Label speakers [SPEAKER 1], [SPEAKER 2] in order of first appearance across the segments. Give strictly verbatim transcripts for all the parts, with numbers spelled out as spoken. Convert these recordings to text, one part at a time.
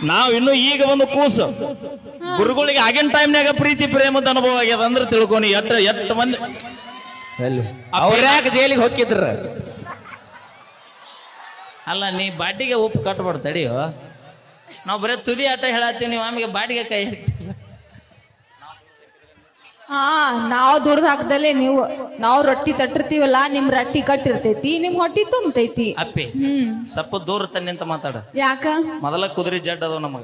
[SPEAKER 1] ನಾವ್ ಇನ್ನು ಈಗ ಒಂದು ಕೂಸು ಗುರುಗಳಿಗೆ ಆಗಿನ ಟೈಮ್ನಾಗ ಪ್ರೀತಿ ಪ್ರೇಮದ ಅನುಭವ ಆಗ್ಯದ ಅಂದ್ರೆ ತಿಳ್ಕೊನಿ ಎಟ್ ಎಟ್ ಮಂದಿ
[SPEAKER 2] ಅವ್ರ್ಯಾಕ ಜೈಲಿಗೆ ಹೋಗಿದ್ರ.
[SPEAKER 1] ಅಲ್ಲ ನೀ ಬಾಟಿಗೆ ಉಪ್ಪು ಕಟ್ಬಾರ್ದು ತಡಿಯೋ. ನಾವ್ ಬರೀ ತುದಿ ಆಟ ಹೇಳತ್ತೀವಿ, ನೀವು ಆಮೇಲೆ ಬಾಟಿಗೆ ಕೈ ಹಾಕ್ತಿಲ್ಲ.
[SPEAKER 3] ಹಾ ನಾವ್ ದುಡ್ದು ಹಾಕದಲ್ಲೇ ನೀವು ನಾವ್ ರೊಟ್ಟಿ ತಟ್ಟಿರ್ತೀವಲ್ಲ, ನಿಮ್ ರೊಟ್ಟಿ ಕಟ್ಟಿರ್ತೈತಿ, ನಿಮ್ ಹೊಟ್ಟಿ ತುಂಬತೈತಿ.
[SPEAKER 1] ಅಪ್ಪಿ
[SPEAKER 3] ಹ್ಮ್
[SPEAKER 1] ಸ್ವಲ್ಪ ದೂರ ತನ್ನಿ ಅಂತ ಮಾತಾಡ.
[SPEAKER 3] ಯಾಕ
[SPEAKER 1] ಮೊದಲ ಕುದುರೆ ಜಡ್ ಅದಾವ ನಮಗ.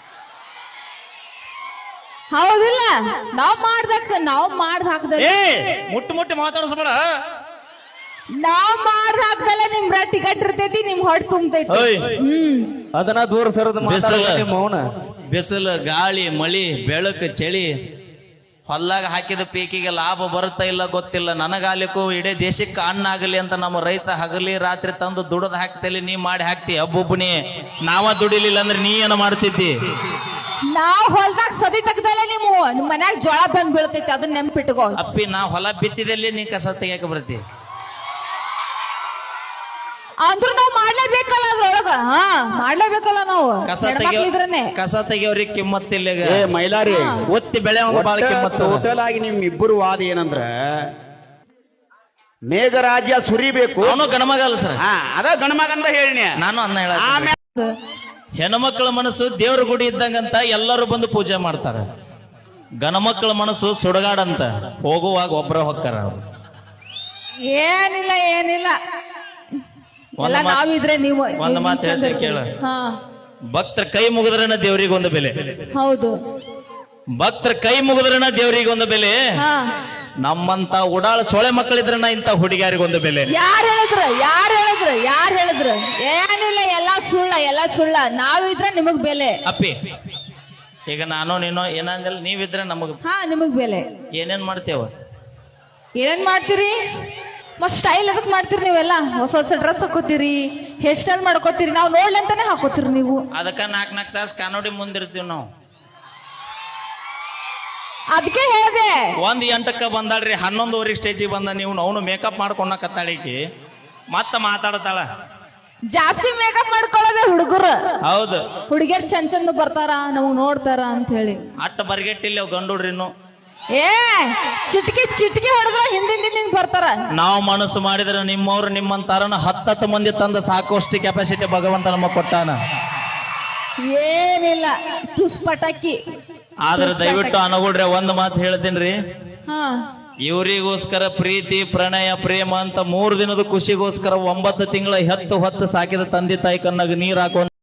[SPEAKER 3] ಹೌದಿಲ್ಲ, ನಾವ್ ಮಾಡ್ದಕ್ ನಾವ್ ಮಾಡ್ದ ಹಾಕದಲ್ಲ
[SPEAKER 1] ಏ ಮುಟ್ಟು ಮುಟ್ಟಿ ಮಾತಾಡಿಸ್ಬೇಡ.
[SPEAKER 3] ನಾವ್ ಮಾಡ್ದ ಹಾಕದಲ್ಲ ನಿಮ್ ರೊಟ್ಟಿ ಕಟ್ಟಿರ್ತೈತಿ, ನಿಮ್ ಹೊಟ್ಟಿ ತುಂಬತೈತಿ.
[SPEAKER 1] ಓಯ್
[SPEAKER 3] ಹ್ಮ್
[SPEAKER 2] ಅದನ್ನ ದೂರ ಸರದ
[SPEAKER 1] ಬಿಸಿಲು
[SPEAKER 2] ಮೌನ.
[SPEAKER 1] ಬಿಸಿಲು ಗಾಳಿ ಮಳಿ ಬೆಳಕು ಚಳಿ ಹೊಲ್ಲಾಗ ಹಾಕಿದ ಪೀಕಿಗೆ ಲಾಭ ಬರುತ್ತಾ ಇಲ್ಲ ಗೊತ್ತಿಲ್ಲ. ನನಗಾಲಿಕ್ಕೂ ಇಡೀ ದೇಶಕ್ಕೆ ಅನ್ನ ಆಗಲಿ ಅಂತ ನಮ್ಮ ರೈತ ಹಗಲಿ ರಾತ್ರಿ ತಂದು ದುಡದ್ ಹಾಕ್ತೇಲಿ, ನೀ ಮಾಡಿ ಹಾಕ್ತಿ ಒಬ್ಬೊಬ್ಬನಿ. ನಾವ ದುಡಿಲಿಲ್ಲ ಅಂದ್ರೆ ನೀ ಏನ ಮಾಡ್ತಿದ್ದಿ?
[SPEAKER 3] ನಾವ್ ಹೊಲ್ದಾಗ ಸದಿ ತೆಗ್ದಲ್ಲ ನೀವು ನಿಮ್ ಮನ್ಯಾಗ ಜೋಳ ಬಂದ್ ಬೀಳ್ತೈತಿ, ಅದನ್ನ ನೆನ್ಪಿಟ್ಕೋ.
[SPEAKER 1] ಅಪ್ಪಿ ನಾ ಹೊಲ ಬಿತ್ತಿದಲ್ಲಿ ನೀ ಕಸ ತೆಗಿಯಕ ಬರ್ತಿ.
[SPEAKER 3] ಅಂದ್ರೂ ನಾವ್ ಮಾಡ್ಲೇಬೇಕಲ್ಲ ಅದ್ರೊಳಗ. ಹಾ ಮಾಡ್ಲೇಬೇಕಲ್ಲ ನಾವು
[SPEAKER 1] ಕಸ ತೆಗಿಯೋ
[SPEAKER 3] ಇದ್ರನ್ನೇ.
[SPEAKER 1] ಕಸ ತೆಗಿಯೋರಿಗೆ ಕಿಮ್ಮತ್ತಿಲ್ಲ.
[SPEAKER 4] ಏ ಮೈಲಾರಿ,
[SPEAKER 1] ಒತ್ತಿ ಬೆಳೆ ಬಾಳ ಕಿಮ್ಮತ್ತು.
[SPEAKER 4] ಟೋಟಲ್ ಆಗಿ ನಿಮ್ ಇಬ್ಬರು ವಾದ ಏನಂದ್ರ ಮೇಘರಾಜ್ಯ ಸುರಿಬೇಕು.
[SPEAKER 1] ಅವನು ಗಣಮಗಲ್ಲ ಸರ್.
[SPEAKER 4] ಹಾ ಅದ ಗಣಮಗಂದ ಹೇಳಿನಿ
[SPEAKER 1] ನಾನು ಅನ್ನ ಹೇಳ. ಹೆಣ್ಮಕ್ಳ ಮನಸ್ಸು ದೇವ್ರ ಗುಡಿ ಇದ್ದಂಗಂತ ಎಲ್ಲರೂ ಬಂದು ಪೂಜೆ ಮಾಡ್ತಾರ. ಗಣಮಕ್ಳ ಮನಸ್ಸು ಸುಡಗಾಡಂತ, ಹೋಗುವಾಗ ಒಬ್ಬರ ಹೊಕ್ಕಾರ.
[SPEAKER 3] ಏನಿಲ್ಲ ಏನಿಲ್ಲ, ಎಲ್ಲ ನಾವಿದ್ರೆ ನೀವು
[SPEAKER 1] ಒಂದ್ ಮಾತು ಹೇಳ್ತೀನಿ ಕೇಳ.
[SPEAKER 3] ಹಾ
[SPEAKER 1] ಭಕ್ತರ ಕೈ ಮುಗಿದ್ರನ ದೇವ್ರಿಗೆ ಒಂದು ಬೆಲೆ.
[SPEAKER 3] ಹೌದು,
[SPEAKER 1] ಭಕ್ತರ ಕೈ ಮುಗಿದ್ರನ ದೇವ್ರಿಗೆ ಒಂದು ಬೆಲೆ.
[SPEAKER 3] ಹಾ
[SPEAKER 1] ನಮ್ಮಂತ ಉಡಾಳ ಸೊಳೆ ಮಕ್ಕಳಿದ್ರನ ಇಂತ ಹುಡುಗಿಯಾರಿಗೊಂದು ಬೆಲೆ.
[SPEAKER 3] ಯಾರ್ ಹೇಳಿದ್ರ ಯಾರ್ ಹೇಳಿದ್ರ ಯಾರ್ ಹೇಳಿದ್ರ ಏನಿಲ್ಲ, ಎಲ್ಲಾ ಸುಳ್ಳ ಎಲ್ಲಾ ಸುಳ್ಳ. ನಾವಿದ್ರೆ ನಿಮಗ್ ಬೆಲೆ.
[SPEAKER 1] ಅಪ್ಪಿ ಈಗ ನಾನು ನೀನು ಏನಂದಿಲ್ಲ, ನೀವಿದ್ರೆ ನಮಗ್
[SPEAKER 3] ಹಾ ನಿಮಗ್ ಬೆಲೆ.
[SPEAKER 1] ಏನೇನ್ ಮಾಡ್ತೇವ?
[SPEAKER 3] ಏನೇನ್ ಮಾಡ್ತೀರಿ? ಮತ್ ಸ್ಟೈಲ್ ಅದಕ್ ಮಾಡ್ತೀರಿ ನೀವೆಲ್ಲ. ಹೊಸ ಹೊಸ ಡ್ರೆಸ್ ಹಾಕೋತೀರಿ, ಹೇರ್ ಸ್ಟೈಲ್ ಮಾಡ್ಕೋತೀರಿ, ನಾವ್ ನೋಡ್ಲಂತಾನೆ ಹಾಕೋತೀರಿ ನೀವು.
[SPEAKER 1] ಅದಕ್ಕ ನಾಕ್ ನಾಕ್ ತಾಸ್ ಕಾನೋಡಿ ಮುಂದಿರ್ತೀವಿ ನಾವು.
[SPEAKER 3] ಅದಕ್ಕೆ ಹೇಳಿದೆ.
[SPEAKER 1] ಒಂದ್ ಎಂಟಕ್ಕ ಬಂದಾಳ್ರಿ, ಹನ್ನೊಂದುವರೆಗೆ ಸ್ಟೇಜಿಗೆ ಬಂದ ನೀವು ಅವನು ಮೇಕಪ್ ಮಾಡ್ಕೊಂಡ ಕತ್ತಾಳಿಕಿ ಮತ್ತ ಮಾತಾಡತಾಳ.
[SPEAKER 3] ಜಾಸ್ತಿ ಮೇಕಪ್ ಮಾಡ್ಕೊಳ್ಳೋದೆ ಹುಡುಗರು.
[SPEAKER 1] ಹೌದು,
[SPEAKER 3] ಹುಡುಗಿಯರ್ ಚಂದ ಚಂದ ಬರ್ತಾರ, ನಮಗ್ ನೋಡ್ತಾರ ಅಂತ ಹೇಳಿ
[SPEAKER 1] ಅಟ್ಟ ಬರ್ಗೆಟ್ಟಿಲ್ಲ ಅವ್ ಗಂಡುಡ್ರಿ. ಇನ್ನು
[SPEAKER 3] ಏ ಚಿಟ್ಕಿ ಚಿಟ್ಕಿ ಹೊಡೆದ್ರ ಹಿಂದಿಂದ ಹಿಂದಿಂದ ಬರ್ತಾರ.
[SPEAKER 1] ನಾವು ಮನಸ್ಸು ಮಾಡಿದ್ರೆ ನಿಮ್ಮವ್ರು ನಿಮ್ಮಂತಾರನ ಹತ್ತತ್ತು ಮಂದಿ ತಂದ ಸಾಕಷ್ಟು ಕೆಪಾಸಿಟಿ ಭಗವಂತ ನಮಗ್ ಕೊಟ್ಟಾನ.
[SPEAKER 3] ಏನಿಲ್ಲ ಟುಸ್ ಪಟಾಕಿ.
[SPEAKER 1] ಆದ್ರೆ ದಯವಿಟ್ಟು ಅನಗುಡ್ರೆ ಒಂದ್ ಮಾತು ಹೇಳ್ತೀನ್ರಿ,
[SPEAKER 3] ಹಾ
[SPEAKER 1] ಇವರಿಗೋಸ್ಕರ ಪ್ರೀತಿ ಪ್ರಣಯ ಪ್ರೇಮ ಅಂತ ಮೂರು ದಿನದ ಖುಷಿಗೋಸ್ಕರ ಒಂಬತ್ತು ತಿಂಗಳ ಹೆತ್ತು ಹೊತ್ತು ಸಾಕಿದ ತಂದೆ ತಾಯಿ ಕಣ್ಣಾಗ ನೀರ್ ಹಾಕೋ